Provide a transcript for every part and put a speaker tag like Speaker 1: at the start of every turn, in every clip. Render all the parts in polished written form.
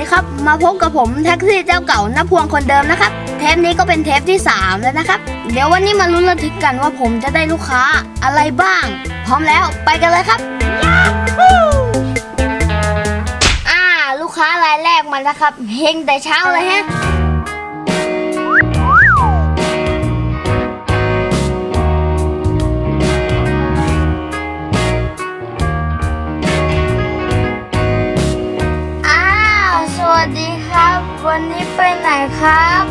Speaker 1: ดีครับมาพบกับผมแท็กซี่เจ้าเก่าณพวงคนเดิมนะครับเทปนี้ก็เป็นเทปที่3แล้วนะครับเดี๋ยววันนี้มาลุ้นระทึกกันว่าผมจะได้ลูกค้าอะไรบ้างพร้อมแล้วไปกันเลยครับลูกค้ารายแรกมาแล้วครับเฮงแต่เช้าเลยฮะสวัสดีครับวันนี้ไปไหนครับ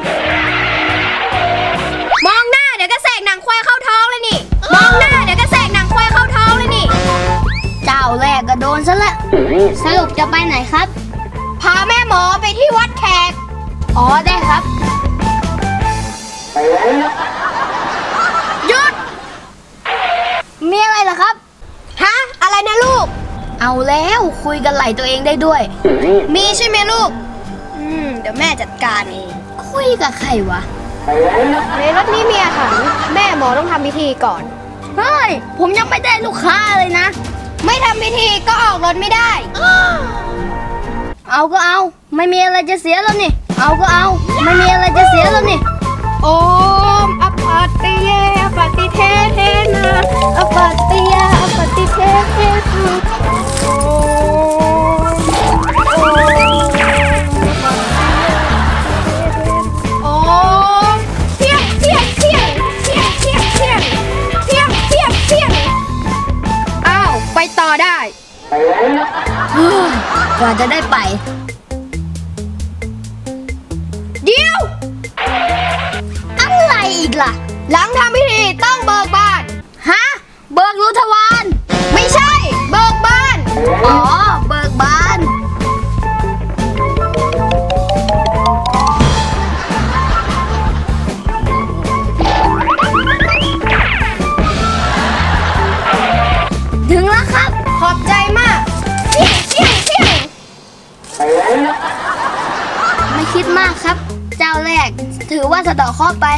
Speaker 2: มองหน้าเดี๋ยวก็แสกหนังควายเข้าท้องเลยนี่มองหน้าเดี๋ยวก็แสกหนังควายเข้าท้องเลยนี่
Speaker 1: เจ้าแรกก็โดนซะแล้วสรุปจะไปไหนครับ
Speaker 2: พาแม่หมอไปที่วัดแขก
Speaker 1: อ๋อได้ครับ
Speaker 2: หยุด
Speaker 1: มีอะไรเหรอครับ
Speaker 2: ฮะอะไรนะลูก
Speaker 1: เอาแล้วคุยกันไหลตัวเองได้ด้วย
Speaker 2: มีใช่ไหมลูกเดี๋ยวแม่จัดการเอง
Speaker 1: คุยกับใครวะ
Speaker 2: ในรถนี้มีอาหารแม่หมอต้องทำพิธีก่อน
Speaker 1: เฮ้ยผมยังไม่ได้ลูกค้าเลยนะ
Speaker 2: ไม่ทำพิธีก็ออกรถไม่ได้
Speaker 1: เอาก็เอาไม่มีอะไรจะเสียแล้วนี่เอาก็เอาไม่มีอะไรจะเสียแล้วนี่
Speaker 2: โอมอปัตติเยอปัตติเทเทนะอปัตติยาอปัตติเทเทนะโอมเที่ยงเที่ยงเที่ยงเที่ยงเที่ยงเที่ยงเที่ยงเที่ยงเที่ยงอ้าวไปต่อได้
Speaker 1: กว่าจะได้ไป
Speaker 2: เดี๋ยว
Speaker 1: อะไรอีกล่ะ
Speaker 2: หลังทำพิธีต้องเบิกบาน
Speaker 1: ฮะเบิกรุทวาร
Speaker 2: ไม่ใช่เบิกบาน
Speaker 1: อ๋อเบิกบานถึงแล้วครับ
Speaker 2: ขอบใจมากเที่ยง
Speaker 1: ไม่คิดมากครับเจ้าแรกถือว่าสะเดาะเคราะห์ไป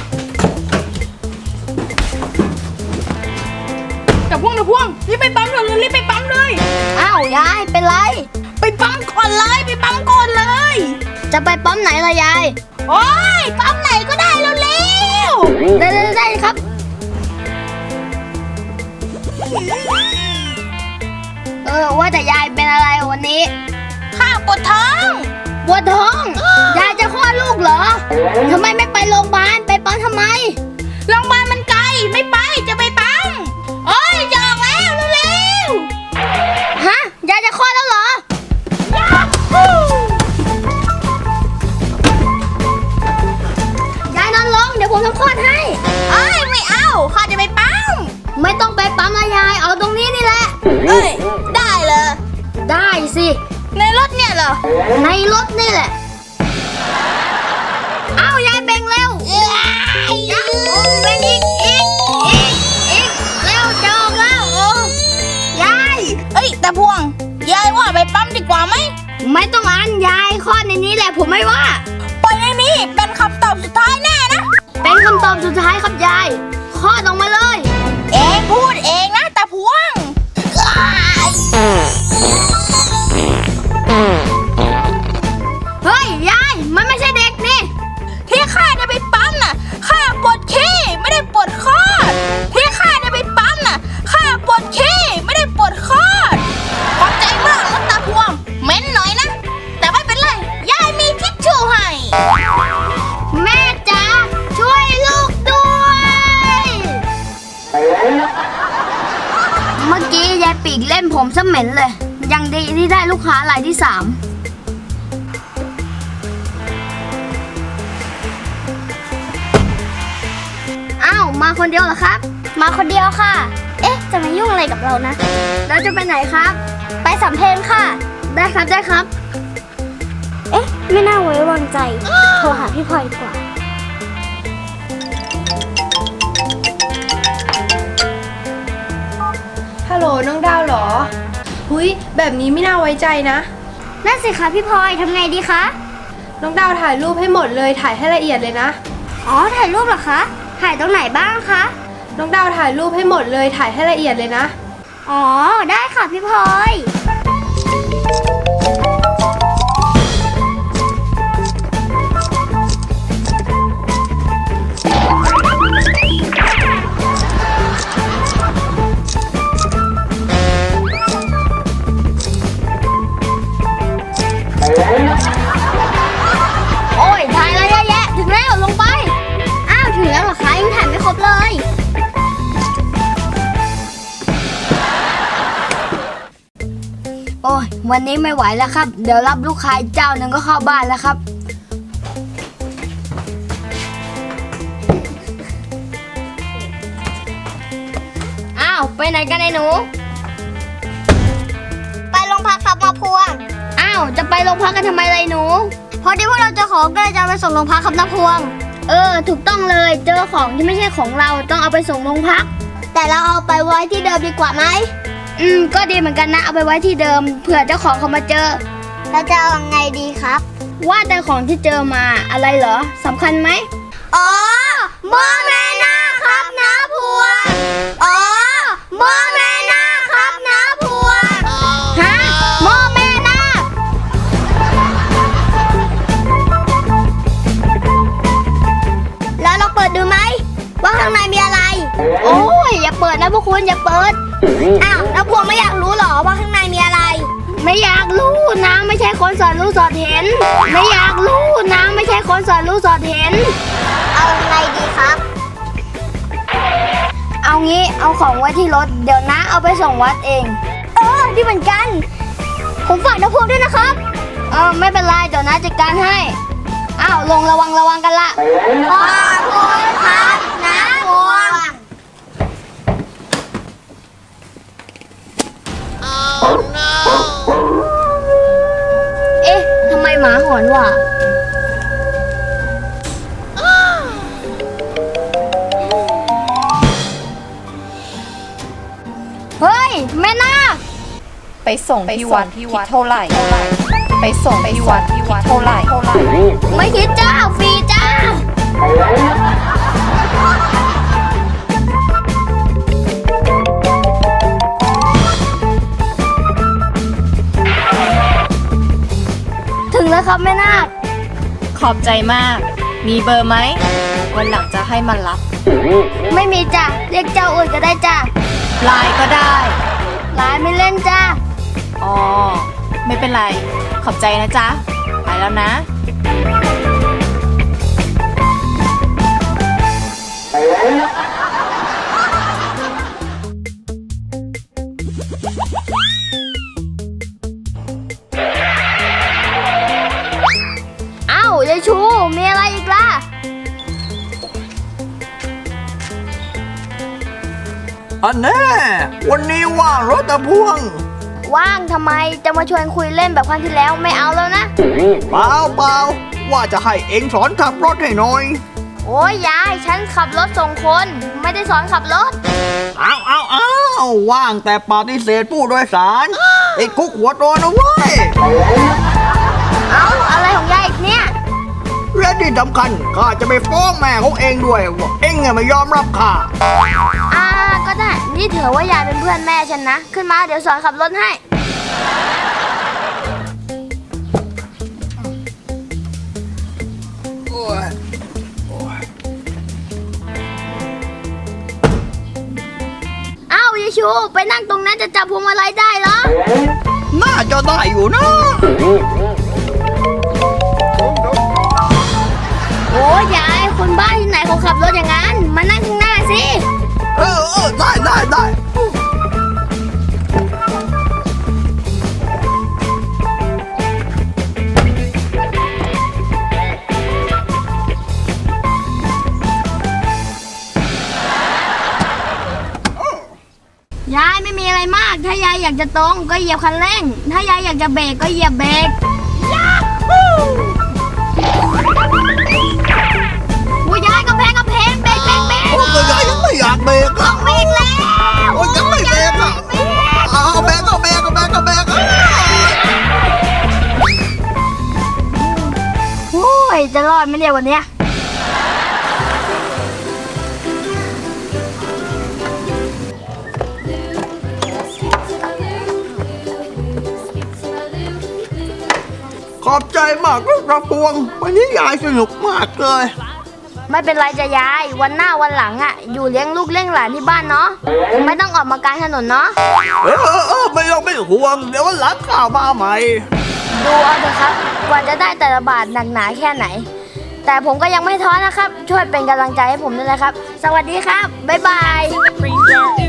Speaker 2: แต่พวงรีบไปปั๊มเลยรีบไปปั๊มเลย
Speaker 1: อ้าวยายเป็นไร
Speaker 2: ไปปั๊มก่อนเลยไปปั๊มก่อนเลย
Speaker 1: จะไปปั๊มไหนล่ะยาย
Speaker 2: โอ้ยปั๊มไหนก็ได้เร็ว
Speaker 1: ได้ครับว่าแต่ยายเป็นอะไรวันนี้
Speaker 2: ข้าปวดท้อง
Speaker 1: ยายจะคลอดลูกเหรอทำไมไม่ไปโรงพยาบาลไปปั๊มทำไม
Speaker 2: โรงพยาบาลมันไกลไม่ไปจะไปปั๊มโอ้ยจะออกแล้วเร็ว
Speaker 1: ฮะยายจะคลอดแล้วเหรอยายนอนลงเดี๋ยวผมทำคลอดให้
Speaker 2: ไม่เอาข้าจะไปปั๊ม
Speaker 1: ไม่ต้องไปปั๊มนะยายเอาตรงนี้นี่แหละ
Speaker 2: ได้เลย
Speaker 1: ได้สิ
Speaker 2: ในรถเนี่ยเหรอ
Speaker 1: ในรถนี่แหละเอายายเบ่งเร็วเบ่งอีกเร็วจะออกแล้วยาย
Speaker 2: แต่พวงยายว่าไปปั๊มดีกว่าไหม
Speaker 1: ไม่ต้องอ่านยายข้อในนี้แหละผมไม่ว่า
Speaker 2: ปล่อยในนี้เป็นคำตอบสุดท้ายแน่นะ
Speaker 1: เป็นคำตอบสุดท้ายครับยายข้อออกมาเลย
Speaker 2: เองพูดเองนะแต่พวง
Speaker 1: เฮ้ยยายมันไม่ใช่เด็กนี่
Speaker 2: ที่ข้าจะไปปั๊มน่ะข้าปวดขี้ไม่ได้ปวดคอดที่ข้าจะไปปั๊มน่ะข้าปวดขี้ไม่ได้ปวดคอดขอบใจมากนะตาพวงเม้นหน่อยนะแต่ไม่เป็นไรยายมีทิชชู่ให้
Speaker 1: แม่จ๋าช่วยลูกด้วยเมื่อกี้ยายปีกเล่นผมซะเหม็นเลยยังดีที่ได้ลูกค้ารายที่3อ้าวมาคนเดียวเหรอครับ
Speaker 2: มาคนเดียวค่ะจะมายุ่งอะไรกับเรานะ
Speaker 1: แล้วจะไปไหนครับ
Speaker 2: ไปสำเพ็งค่ะ
Speaker 1: ได้ครับ
Speaker 2: ไม่น่าไว้วางใจโทรหาพี่พลอยดีกว่า
Speaker 3: ฮัลโหลน้องดาวเหรอหุยแบบนี้ไม่น่าไว้ใจนะ
Speaker 2: นั่นสิคะพี่พลอยทำไงดีคะ
Speaker 3: น้องดาวถ่ายรูปให้หมดเลยถ่ายให้ละเอียดเลยนะ
Speaker 2: ถ่ายรูปเหรอคะถ่ายตรงไหนบ้างคะ
Speaker 3: น้องดาวถ่ายรูปให้หมดเลยถ่ายให้ละเอียดเลยนะ
Speaker 2: อ๋อได้ค่ะพี่พลอย
Speaker 1: โอ้ยวันนี้ไม่ไหวแล้วครับ เดี๋ยวรับลูกค้าอีกเจ้าหนึ่งก็เข้าบ้านแล้วครับอ้าวไปไหนกันไอ้หนู
Speaker 4: ไปโรงพักครับมาพวง
Speaker 1: อ้าวจะไปโรงพักกันทำไมเลยหนู
Speaker 4: พอดีพวกเราเจอของก็เลยจะเอาไปส่งโรงพักครับนะพวง
Speaker 1: ถูกต้องเลยเจอของที่ไม่ใช่ของเราต้องเอาไปส่งโรงพัก
Speaker 4: แต่เราเอาไปไว้ที่เดิมดีกว่าไหม
Speaker 1: ก็ดีเหมือนกันนะเอาไปไว้ที่เดิมเผื่อเจ้าของเขามาเจอ
Speaker 4: เราจะเอายังไงดีครับ
Speaker 1: ว่าแต่ของที่เจอมาอะไรเหรอสำคัญไหม
Speaker 4: อ๋อหม้อแม่นาคครับนะพวง อ๋อหม้อแม่นาคครับนะพวง
Speaker 1: ฮะหม้อแม่นาค
Speaker 4: แล้วเราเปิดดูไหมว่าข้างในมีอะไร
Speaker 1: โอ้ยอย่าเปิดนะพวกคุณอย่าเปิด
Speaker 4: อ้าวแล้วพวงไม่อยากรู้เหรอว่าข้างในมีอะไร
Speaker 1: ไม่อยากรู้นะไม่ใช่คนสอนรู้สอนเห็น ไม่อยากรู้นะไม่ใช่คนสอนรู้สอนเห็น
Speaker 4: เอายังไงดีครับ
Speaker 1: เอางี้เอาของไว้ที่รถเดี๋ยวนะเอาไปส่งวัดเอง
Speaker 4: ดีเหมือนกัน ผมฝากนะพวงด้วยนะครับ
Speaker 1: ไม่เป็นไรเดี๋ยวนะจัดการให้อ้าวลงระวังกันละ
Speaker 4: ขอบคุณครับนะพวง
Speaker 1: เอ๊ะทำไมหมาหอนวะเฮ้ยแม่นาค
Speaker 3: ไปส่งที่วัดคิดเท่าไหร่ ไปส่งที่วัดคิดเท่าไหร่
Speaker 1: ไม่คิดจ้าฟรีจ้า ถึงแล้วครับแม่นาค
Speaker 3: ขอบใจมาก มีเบอร์ไหม วันหลังจะให้มันรับ
Speaker 1: ไม่มีจ้ะเรียกเจ้าอื่นก็ได้จ้ะ
Speaker 3: ไลน์ก็ได้
Speaker 1: ไลน์ไม่เล่นจ้า
Speaker 3: อ๋อ ไม่เป็นไร ขอบใจนะจ๊ะ ไปแล้วนะ
Speaker 1: เอ้ายายชูมีอะไรอีกล่ะ
Speaker 5: อันแน่วันนี้ว่างรถตะพวง
Speaker 1: ว่างทำไมจะมาชวนคุยเล่นแบบครั้งที่แล้วไม่เอาแล้วนะ
Speaker 5: เปล่าว่าจะให้เองสอนขับรถให้หน่อย
Speaker 1: โอ้ยยายฉันขับรถส่งคน ไม่ได้สอนขับรถ
Speaker 5: เอาว่างแต่ปฏิเสธผู้โดยสารไอ้คุกหัวโตนะเว้ย
Speaker 1: เอาอะไรของยายอีกเนี่ย
Speaker 5: และที่สำคัญข้าจะไปฟ้องแม่ของเองด้วยว่าเองไม่ยอมรับข้า
Speaker 1: ก็ได้ นี่ถือว่ายายเป็นเพื่อนแม่ฉันนะ ขึ้นมาเดี๋ยวสอนขับรถให้ เอ้ายายชูไปนั่งตรงนั้นจะจับพวงมาลัยได้เหรอ
Speaker 5: น่าจะได้อยู่นะ
Speaker 1: โอ้ยายคนบ้านที่ไหนเขาขับรถอย่างนั้น มานั่งข้างหน้าสิ
Speaker 5: ได้
Speaker 1: ยายไม่มีอะไรมาก ถ้ายายอยากจะตรงก็เหยียบคันเร่ง ถ้ายายอยากจะเบรกก็เหยียบเบรกโอ้ยยายกระเพงเบรก
Speaker 5: โอ้ยยายยังไม่อยากเบรกอ่ะ
Speaker 1: เบรกแล้ว
Speaker 5: โอ้ยยังไม่เบรกอ่ะเอาเบรก
Speaker 1: โอ้ยจะรอดไหมเนี่ยวันเนี้ย
Speaker 5: ขอบใจมากรถตะพวง วันนี้ยายสนุกมากเลย
Speaker 1: ไม่เป็นไรจะยาย วันหน้าวันหลังอ่ะ อยู่เลี้ยงลูกเลี้ยงหลานที่บ้านเนาะ ไม่ต้องออกมากลางถนนเนาะ
Speaker 5: ไม่ห่วง เดี๋ยววันหลังข้าวมาใหม่
Speaker 1: ดูเอาเถอะครับกว่าจะได้แต่ละบาทหนักหนาแค่ไหน แต่ผมก็ยังไม่ท้อนะครับ ช่วยเป็นกำลังใจให้ผมด้วยนะครับ สวัสดีครับ บ๊ายบาย